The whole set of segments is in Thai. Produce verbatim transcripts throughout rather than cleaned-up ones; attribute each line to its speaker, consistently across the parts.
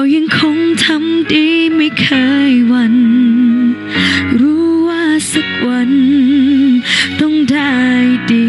Speaker 1: ยังคงทำดีไม่เคยหวั่นรู้ว่าสักวันต้องได้ดี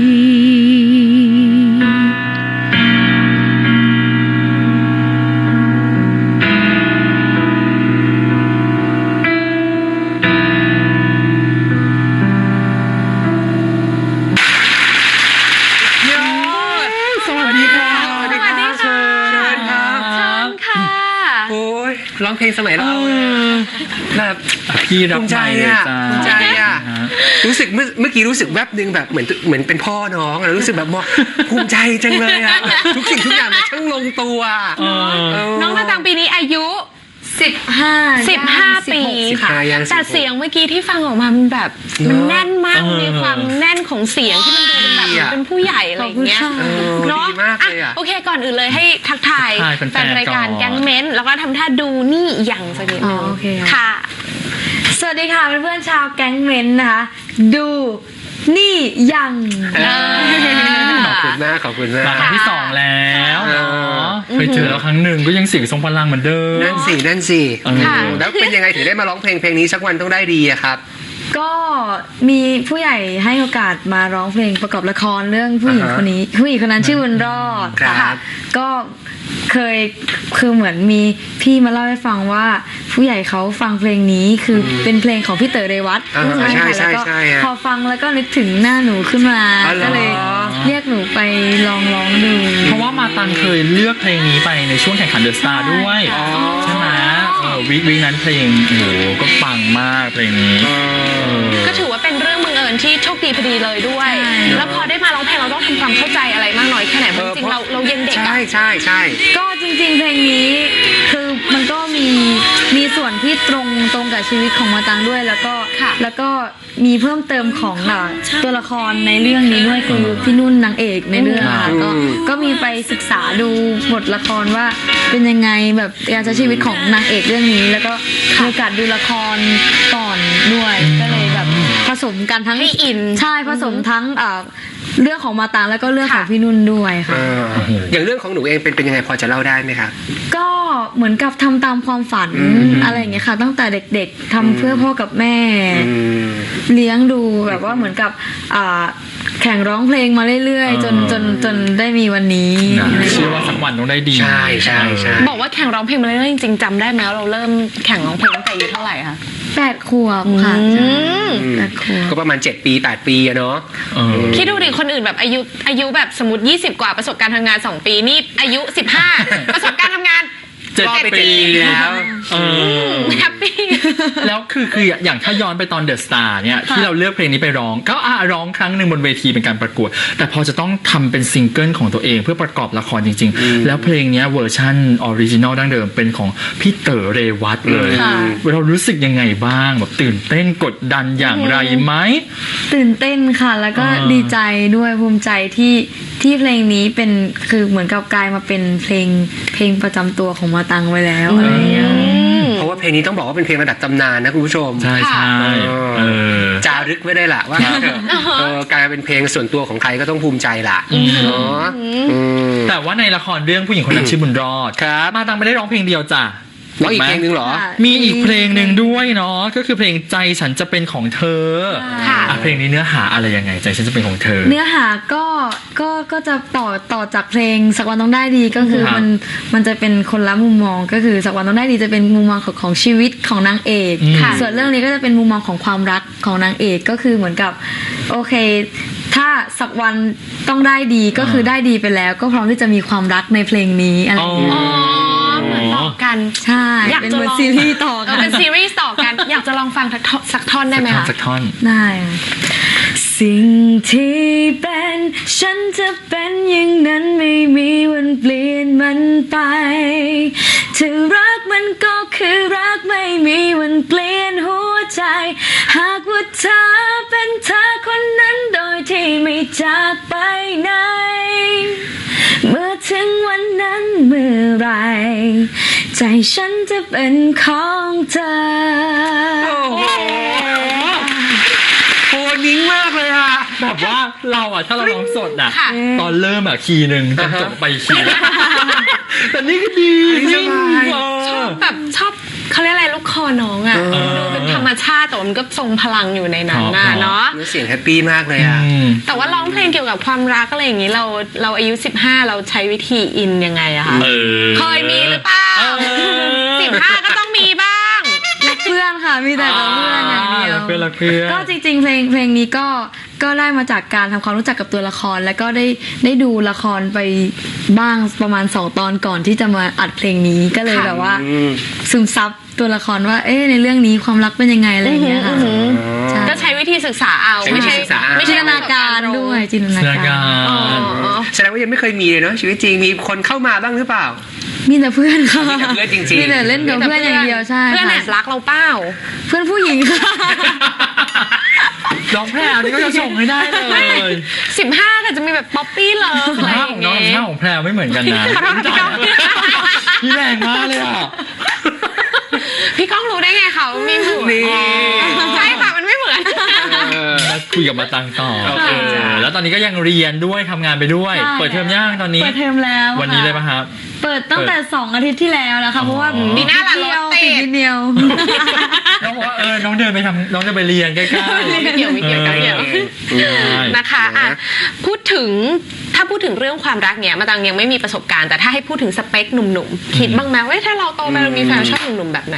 Speaker 2: ร้องเพลงสมัยเราแบบ
Speaker 3: พี่รั
Speaker 2: ภู
Speaker 3: บ
Speaker 2: มิใจอ่ะภูมิใจอ่ะรู้สึกเมื่อเมื่อกี้รู้สึกแวบนึงแบบเหมือนเหมือนเป็นพ่อน้องรู้สึกแบบภูมิใจจังเลยอ่ะทุกสิ่งทุกอย่างมันช่างลงตัว
Speaker 4: น้องมาตังปีนี้อายุ
Speaker 1: สิบห้า
Speaker 4: สิบห้าปีค่ะแต่เสียงเมื่อกี้ที่ฟังออกมามันแบบมันแน่นมากมีความแน่นของเสียงที่มันดูเป็นแบบเป็นผู้ใหญ่อะไรอย่างเงี้ย
Speaker 2: เนาะ
Speaker 4: โอเคก่อนอื่นเลยให้ทักทายแฟนรายการแก๊งเม้นแล้วก็ทำท่าดูนี่อย่างสักนิดนึงค่ะ
Speaker 1: สวัสดีค่ะเพื่อนๆชาวแก๊งเม้นนะคะดูนี่ยัง
Speaker 2: ขอบคุณมากขอบคุณมาก
Speaker 3: ครั้งที่สองแล้วเคยเจอแล้วครั้งหนึ่งก็ยังเสียงทรงพลังเหมือนเดิม
Speaker 2: นั่นสินั่นสิแล้วเป็นยังไงถึงได้มาร้องเพลงเพลงนี้สักวันต้องได้ดีอะครับ
Speaker 1: ก็มีผู้ใหญ่ให้โอกาสมาร้องเพลงประกอบละครเรื่องผู้หญิงคนนี้ผู้หญิงคนนั้นชื่อบุญรอดค่ะก็เคยคือเหมือนมีพี่มาเล่าให้ฟังว่าผู้ใหญ่เขาฟังเพลงนี้คือเป็นเพลงของพี่เต๋อเรวัต
Speaker 2: ใช่ใช่ใช่
Speaker 1: พอฟังแล้วก็นึกถึงหน้าหนูขึ้นมาก็เลยเรียกหนูไปลองร้องดู
Speaker 3: เพราะว่ามาตันเคยเลือกเพลงนี้ไปในช่วงแข่งขันเดอะสตาร์ด้วยใช่ไหมวิกวิกนั้นเพลงโอ้โหก็ปังมากเพลงนี้
Speaker 4: ก็ถือว่าเป็นเรื่องบังเอิญที่โชคดีพอดีเลยด้วยแล้วพอได้มาร้องเพลงเราต้องทำความเข้าใจอะไรมากน้อยแค่ไหนเพราะจริงเราเรายังเด็ก
Speaker 2: ใช่ใช่ใช่
Speaker 1: ก็จริงๆเพลงนี้คือมันก็มีมีส่วนที่ตรงตรงกับชีวิตของมาตังด้วยแล้วก็แล้วก็มีเพิ่มเติมของตัวละครในเรื่องนี้ด้วยคือพี่นุ่นนางเอกในเรื่องค่ะก็ก็มีไปศึกษาดูบทละครว่าเป็นยังไงแบบการใช้ชีวิตของนางเอกเรื่องนี้แล้วก็มีโอกาสดูละครก่อนด้วยก็เลยแบบผสมกันทั้ง
Speaker 4: อิน
Speaker 1: ใช่ผสมทั้งเรื่องของมาตังแล้วก็เรื่องของพี่นุ่นด้วยค่ะ
Speaker 2: อย่างเรื่องของหนูเองเป็นเป็นยังไงพอจะเล่าได้ไหมคะ
Speaker 1: ก็เหมือนกับทำตามความฝันอะไรอย่างเงี้ยค่ะตั้งแต่เด็กๆทำเพื่อพ่อกับแม่เลี้ยงดูแบบว่าเหมือนกับแข่งร้องเพลงมาเรื่อยๆจนจนจนได้มีวันนี้
Speaker 3: เชื่อว่าสักวันต้องได้ดี
Speaker 2: ใช่ใช่ใช่
Speaker 4: บอกว่าแข่งร้องเพลงมาเรื่อยๆจริงๆจำได้ไหมเราเริ่มแข่งร้องเพลงตั้งแต่อายุเท่าไหร่คะ
Speaker 1: แปดขวบค่ะแปดขวบ
Speaker 2: ก็ประมาณเจ็ดปีแปดปีอะเนาะ
Speaker 4: คิดดูดิคนอื่นแบบอายุอายุแบบสมมติยี่สิบกว่าประสบการณ์ทำงานสองปีนี่อายุสิบห้าประสบการณ์ทำงาน
Speaker 3: เจ็ดปีแล้ว
Speaker 4: แฮปปี้
Speaker 3: แล้วคือคืออย่างถ้าย้อนไปตอนเดอะสตาร์เนี่ยที่เราเลือกเพลงนี้ไปร้องก็อ่ะร้องครั้งหนึ่งบนเวทีเป็นการประกวดแต่พอจะต้องทำเป็นซิงเกิลของตัวเองเพื่อประกอบละครจริงๆแล้วเพลงนี้เวอร์ชันออริจินอลดั้งเดิมเป็นของพี่เต๋อเรวัตเลยเรารู้สึกยังไงบ้างแบบตื่นเต้นกดดันอย่างไรไหม
Speaker 1: ตื่นเต้นค่ะแล้วก็ดีใจด้วยภูมิใจที่ที่เพลงนี้เป็นคือเหมือนกับกลายมาเป็นเพลงเพลงประจำตัวของมาตังไว้แล้วอะไรอย่างเงี้ย
Speaker 2: เพราะว่าเพลงนี้ต้องบอกว่าเป็นเพลงระดับตำนานนะคุณผู้ชม
Speaker 3: ใช่ใช่
Speaker 2: จารึกไว้ได้ละว่ากลายเป็นเพลงส่วนตัวของใครก็ต้องภูมิใจละเนาะ
Speaker 3: แต่ว่าในละครเรื่องผู้หญิงคนนั้นชื่อบุญรอดมาตังไม่ได้ร้องเพลงเดียวจ้ะ
Speaker 2: ร้องอีกเพลงนึงเหรอ
Speaker 3: มีอีกเพลงหนึ่งด้วยเนาะก็คือเพลงใจฉันจะเป็นของเธอเพลงนี้เนื้อหาอะไรยังไงใจฉันจะเป็นของเธอ
Speaker 1: เนื้อหาก็ก็ก็จะต่อต่อจากเพลงสักวันต้องได้ดีก็คือมันมันจะเป็นคนละมุมมองก็คือสักวันต้องได้ดีจะเป็นมุมมองของของชีวิตของนางเอกส่วนเรื่องนี้ก็จะเป็นมุมมองของความรักของนางเอกก็คือเหมือนกับโอเคถ้าสักวันต้องได้ดีก็คือได้ดีไปแล้วก็พร้อมที่จะมีความรักในเพลงนี้อะไรอย่างเงี้ย
Speaker 4: เหมือนต่อกัน
Speaker 1: ใช่อยากจะลองซีรีส์ต่อกัน
Speaker 4: เป็นซีรีส์ต่อกันอยากจะลองฟังสักท่อนได้ไหมคะ
Speaker 3: สักท่อน
Speaker 1: ได้สิ่งที่เป็นฉันจะเป็นอย่างนั้นไม่มีวันเปลี่ยนมันไปถ้ารักมันก็คือรักไม่มีวันเปลี่ยนหัวใจหากว่าเธอเป็นเธอคนนั้นโดยที่ไม่จากไปไหนเมื่อถึงวันนั้นเมื่อไรใจฉันจะเป็นของเธอ
Speaker 2: โอ้โหโหนิ่งมากเลยอะ
Speaker 3: แบบว่าเราอะถ้าเราร้องสดอะตอนเริ่มอะคีย์หนึ่งจนจบไปคีย์แต่นี่ก็ดี
Speaker 4: ชอบน้องอ่ะ
Speaker 2: เออ
Speaker 4: ดูเป็นธรรมชาติแต่ว่ามันก็ทรงพลังอยู่ในนั้นน่ะเนาะ
Speaker 2: เนื้อเสียงแฮปปี้มากเลยอ่ะ
Speaker 3: อืม
Speaker 4: แต่ว่าร้องเพลงเกี่ยวกับความรักอะไรอย่างนี้เราเราอายุสิบห้าเราใช้วิธีอินยังไงอะคะ
Speaker 3: เออ
Speaker 4: เคยมีหรือเปล่า
Speaker 3: เออ
Speaker 4: สิบห้าก็ต้องมีบ้าง
Speaker 1: รักเพื่อนค่ะมีแต่รักเพื่อนอย่างเดียว
Speaker 3: รักเพื่อนรักเพื่อน
Speaker 1: ก็จริงๆเพลงเพลงนี้ก็ก็ได้มาจากการทำความรู้จักกับตัวละคร แล้วก็ได้ได้ดูละครไปบ้างประมาณสองตอนก่อนที่จะมาอัดเพลงนี้ก็เลย
Speaker 4: ค่ะ
Speaker 1: แบบว่า
Speaker 2: อืม
Speaker 1: ซึมซับตัวละครว่าเอ๊ะในเรื่องนี้ความรักเป็นยังไงอะไรอย่างเงี้ยค่ะ
Speaker 4: อือหือ
Speaker 1: ใช่
Speaker 4: ก็ใช้วิธีศึกษาเอา
Speaker 2: ใช้วิ
Speaker 4: ไม่
Speaker 2: ธี
Speaker 4: ใช่
Speaker 2: ศึกษาเอา
Speaker 4: ไม่
Speaker 1: จิ
Speaker 4: ใช่
Speaker 1: นตนาการด้วยจินตนา
Speaker 3: เสื้อ
Speaker 1: าก
Speaker 3: การ
Speaker 4: อ๋อ
Speaker 3: ร
Speaker 2: แสดงว่ายังไม่เคยมีเลยเนาะชีวิตจริงมีคนเข้ามาบ้างหรือเปล่า
Speaker 1: มีแต่เพื่อนค่ะ
Speaker 2: มีแต่เพื่อนจริงๆ
Speaker 1: มีแต่เล่นกับเพื่อนอย่างเดียวใช่
Speaker 4: เพื่อนแอ
Speaker 1: ค่ะ
Speaker 4: บรักเราเปล่า
Speaker 1: เพื่อนผู้หญิงค่ะ
Speaker 3: น้องแพรวนี่ก็จะส่งให้ได้เลย
Speaker 4: สิบห้าก็จะมีแบบป๊อปปี้เลิฟ
Speaker 3: สิ
Speaker 4: อะ
Speaker 3: บ
Speaker 4: ไรอ
Speaker 3: ห้า
Speaker 4: ย่า
Speaker 3: ของ
Speaker 4: ง
Speaker 3: น้อง
Speaker 4: เงี้
Speaker 3: สิบห้าย ของแพรวไม่เหมือนกันนะ
Speaker 4: ขอโทษพี่ก้อง
Speaker 3: พี่แรงมากเลยอ่ะ
Speaker 4: พี่ก้องรู้ได้ไงเขาไม่เหมือน
Speaker 2: นี่
Speaker 4: ใช่ค่ะมันไม่เหมือน
Speaker 2: เออ
Speaker 3: แล้วคุยกับมาตังต่อ
Speaker 2: โอเคจ้ะ
Speaker 3: เออแล้วตอนนี้ก็ยังเรียนด้วยทำงานไปด้วย
Speaker 1: ใช่
Speaker 3: เปิดเทอมย่างตอนนี้
Speaker 1: เปิดเทอมแล้ว
Speaker 3: วันนี้
Speaker 1: ค่ะ
Speaker 3: เลยป่ะครับ
Speaker 1: เปิดตั้งแต่สองอาทิตย์ที่แล้วแล้วค่ะเพราะว่า
Speaker 3: อ๋อ
Speaker 4: ปีหน้าล่ะ
Speaker 1: เดียว
Speaker 4: รถติด
Speaker 1: นิดเดียว
Speaker 3: น้องบอกว่าเออน้องเดินไปทำน้องจะไปเรียนใกล้ๆ
Speaker 4: ไม่เกี่ยวไม่เกี่ยวไม่เกี่ยว
Speaker 3: ใช่
Speaker 4: นะคะอ่ะพูดถึงถ้าพูดถึงเรื่องความรักเนี่ยมาตังยังไม่มีประสบการณ์แต่ถ้าให้พูดถึงสเปคหนุ่มๆคิดบ้างไหมว่าถ้าเราโตไปเรามีแฟนชอบหนุ่มๆแบบไหน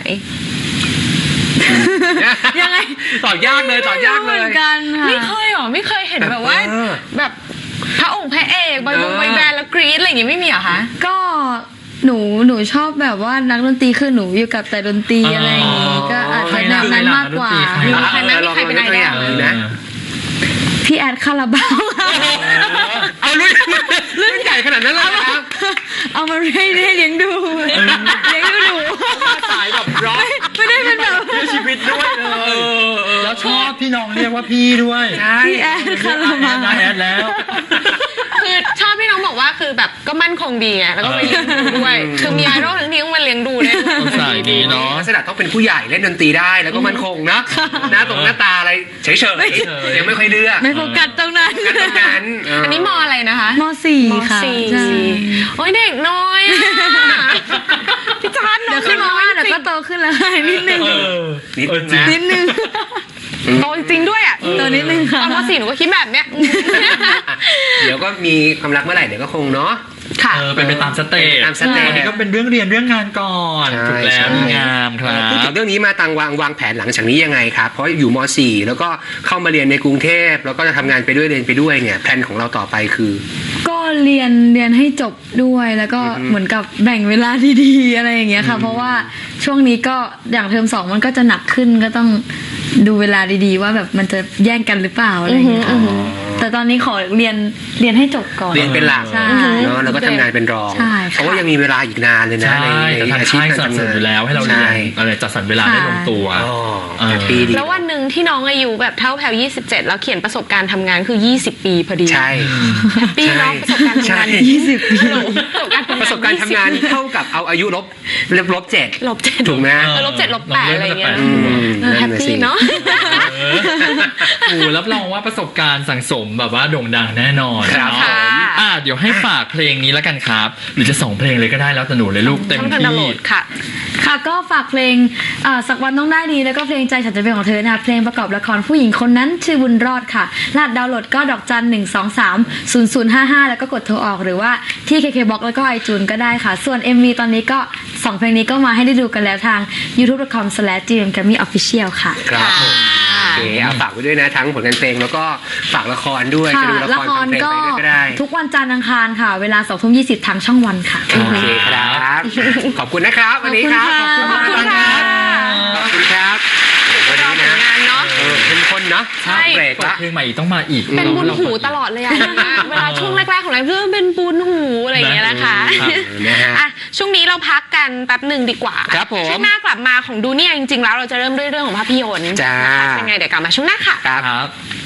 Speaker 1: ยังไง
Speaker 2: ตอบยากเลยตอบยากเล
Speaker 1: ไม่
Speaker 2: ย
Speaker 1: รู้เหมือนกันค่ะ
Speaker 4: ไม่เคยหรอไม่เคยเห็นแบบว่า
Speaker 2: เออ
Speaker 4: แบบพระองค์พระเอกบอยบง
Speaker 2: เออ
Speaker 4: บอยแบนด์แล้วกรี๊ดอะไรอย่างงี้ไม่มีเหรอคะ
Speaker 1: ก็หนูหนูชอบแบบว่านักดนตรีคือหนูอยู่กับแต่ดนตรีอะไรอย่างงี้ก็อาจจะแนวนั้นมากกว่า
Speaker 3: ใคร
Speaker 4: มี
Speaker 3: ล่ะ
Speaker 4: ใครไหมมีใครเป็นไอดอล
Speaker 2: ลองยกตัวอย่างดูนะ
Speaker 1: พี่แอดคาราบาวค่ะ
Speaker 2: เอารุ่นรุ่นใหญ่ขนาดนั้นเลยนะครับ
Speaker 1: เอามาให้ให้เลี้ยงดูเลี้ยงดูหนู
Speaker 3: สายแบบร็อก
Speaker 1: ไม่ได้เป็นแบบ
Speaker 3: เพื่อชีวิตด้วยเลยแล้วชอบที่น้องเรียกว่าพี่ด้วย
Speaker 2: ใช่
Speaker 1: พี่แอดคาราบาว
Speaker 3: ได้แอดแล้ว
Speaker 4: คือชอบที่น้องบอกว่าคือแบบก็มั่นคงดีไงแล้วก็ไปเลี้ยงดูด้วยคือมีไอดอลทั้งทีต้องมาเลี้ยงดูเลย
Speaker 3: ต้องใส่ดีเนาะ
Speaker 2: ลักษณะต้องเป็นผู้ใหญ่เล่นดนตรีได้แล้วก็มั่นคงนะหน้าตรงหน้าตาอะไรเฉยๆยังไม่ค่อยเลือก
Speaker 1: ไม่โฟกัสตรงนั้น
Speaker 2: กันตรงนั้นเ
Speaker 4: อันนี้มออะไรนะคะ
Speaker 1: มสี่
Speaker 4: ม
Speaker 1: ค่ะ
Speaker 4: สี่
Speaker 1: ใช่
Speaker 4: โอ้ยเด็กน้อยอะพี่จานน้
Speaker 1: เดี๋
Speaker 4: อ
Speaker 1: ยว
Speaker 4: ง
Speaker 1: ขึ้น
Speaker 4: น้
Speaker 1: มา
Speaker 4: อย
Speaker 1: เดี๋ยว
Speaker 4: จริ
Speaker 1: ก็
Speaker 4: ง
Speaker 1: โตขึ้นแล้วค่ะนิดนึง
Speaker 3: เออ
Speaker 2: นิด
Speaker 3: เออ
Speaker 2: นึง
Speaker 3: จริง
Speaker 2: นะ
Speaker 1: นิดนึง
Speaker 4: โตจริงด้วยอ่ะ
Speaker 1: โตนิดนึง
Speaker 4: ต
Speaker 1: ค่ะ
Speaker 4: อนมสี่หนูก็คิดแบบเนี้ย
Speaker 2: เดี๋ยวก็มีความรักเมื่อไหร่เดี๋ยวก็คงเนาะ
Speaker 4: ค่ะ
Speaker 3: เออเป็นไปตามสเตจ
Speaker 2: ตามสเตจ
Speaker 3: อันนี้ก็เป็นเรื่องเรียนเรื่องงานก่อน
Speaker 2: ใช่
Speaker 3: ถูกแล้
Speaker 2: ใช่
Speaker 3: วมีงามครั
Speaker 2: พูดถึ
Speaker 3: บ
Speaker 2: งเรื่องนี้มาตังวางวางแผนหลังจากนี้ยังไงครับ เพราะอยู่ม .สี่ แล้วก็เข้ามาเรียนในกรุงเทพแล้วก็จะทำงานไปด้วยเรียนไปด้วยเนี่ยแผนของเราต่อไปคือ
Speaker 1: ก็เรียนเรียนให้จบด้วยแล้วก็เหมือนกับแบ่งเวลาดีๆอะไรอย่างเงี้ยค่ะ เพราะว่าช่วงนี้ก็อย่างเทอมสองมันก็จะหนักขึ้นก็ต้องดูเวลาดีๆ ว่าแบบมันจะแย่งกันหรือเปล่าอะไรอย่างเงี้ยค่ะแต่ตอนนี้ขอเรียนเรียนให้จบก่อน
Speaker 2: เรียนเป็นหลัก
Speaker 1: ใช่
Speaker 2: เนาะแล้วก็ทำงานเป็นรอง
Speaker 1: ใช่ค่ะ
Speaker 2: เพราะว่ายังมีเวลาอีกนานเลยนะ
Speaker 3: ใช่
Speaker 2: ใน
Speaker 3: แต่
Speaker 2: ใน
Speaker 3: ทาง
Speaker 2: อาชีพ
Speaker 3: ค่าย
Speaker 2: การ
Speaker 3: สนับ
Speaker 2: ทำ
Speaker 3: สนุ
Speaker 2: งาน น
Speaker 3: อยู่แล้วให้เราเรียน
Speaker 2: ใช่
Speaker 3: อะไรจัดสรรเวลาได้ลงตัว
Speaker 2: อ๋อ
Speaker 3: เออ
Speaker 2: แฮปปี้ดี
Speaker 4: แล้ววันหนึ่งที่น้องอายุแบบเท่าแพลยี่สิบเจ็ดแล้วเขียนประสบการณ์ทำงานคือยี่สิบปีพอดี
Speaker 2: ใช่
Speaker 4: แฮปปี้เนาะประสบการณ์ทำงาน
Speaker 2: ใช่
Speaker 1: ยี่สิบปี
Speaker 2: ประสบการณ์ทำงานเท่ากับเอาอายุลบลบลบเจ็ด
Speaker 4: ลบเจ็ด
Speaker 2: ถูกไหม
Speaker 4: เออลบเจ็ดลบแปดอะไรอย่างเงี้ย
Speaker 2: อืม
Speaker 4: เออแฮปปี้เนาะ
Speaker 3: เออโอ้รับรองว่าประสบการณ์สังสมแบบว่าโด่งดังแน่นอน
Speaker 2: ครับ
Speaker 3: เนาะ
Speaker 4: ค่ะ
Speaker 3: อ่ะเดี๋ยวให้ฝากเพลงนี้แล้วกันครับ หรือจะสองเพลงเลยก็ได้แล้วแต่หนูเลยลูกเต็ม
Speaker 4: ต้องทำดาวน์โหล
Speaker 3: ที่
Speaker 4: ดค่ะ
Speaker 1: ค่ะก็ฝากเพลงเอ่อสักวันต้องได้ดีแล้วก็เพลงใจฉันจะเป็นของเธอนะคะเพลงประกอบละครผู้หญิงคนนั้นชื่อบุญรอดค่ะรหัสดาวน์โหลดก็ดอกจันหนึ่งสองสามศูนย์ศูนย์ห้าห้าแล้วก็กดโทรออกหรือว่าที่ เค เค Box แล้วก็ iTunes ก็ได้ค่ะ ส่วน เอ็ม วี ตอนนี้ก็สองเพลงนี้ก็มาให้ได้ดูกันแล้วทาง ยูทูบ ดอท คอม สแลช จี เอ็ม แกรมมี่ ออฟฟิเชียล ค่ะ
Speaker 2: ครับผมโอเคเอาฝากไว้ด้วยนะทั้งผลงานเพลงแล้วก็ฝากละครด้วย
Speaker 1: ค่ะ
Speaker 2: จะดูละ
Speaker 1: ละ
Speaker 2: คร
Speaker 1: ค
Speaker 2: ฟั
Speaker 1: รง
Speaker 2: เพลง
Speaker 1: ก็
Speaker 2: ไปด้วยก็ได้
Speaker 1: ทุกวันจันทร์อังคารค่ะ เวลาสองทุ่มยี่สิบทางช่องวันค่ะ
Speaker 2: โอเคครับ ขอบคุณนะครับวันนี้ครับ
Speaker 1: ขอบคุณค่ะ
Speaker 2: ขอบคุณครับวัน
Speaker 4: รอ
Speaker 2: นี้
Speaker 4: ผ
Speaker 2: นะ
Speaker 4: ลงานเนาะ
Speaker 2: เออเข้มข้นเนาะ
Speaker 4: ใช่
Speaker 2: เบรก
Speaker 3: เปิด
Speaker 2: ละ
Speaker 3: เพลงใหม่อีกต้องมาอีก
Speaker 4: เป็นบุญ
Speaker 3: รา
Speaker 4: หูตลอดเลยอะเวลาช่วงแรกๆของเราเรื่องเป็นบุญหูอะไรอย่างเงี้ยนะคะ
Speaker 2: ครับนะฮะ
Speaker 4: อ่ะช่วงนี้เราพักกันแป๊บหนึ่งดีกว่า
Speaker 2: ครับผม
Speaker 4: ช่วงหน้ากลับมาของดูเนี่ยจริงๆแล้วเราจะเริ่มด้วยเรื่องของภาพยนตร์
Speaker 2: จ้า
Speaker 4: นะคะเป็นไงเดี๋ยวกลับมาช่วงหน้าค่ะ
Speaker 2: ครับ
Speaker 3: ครับ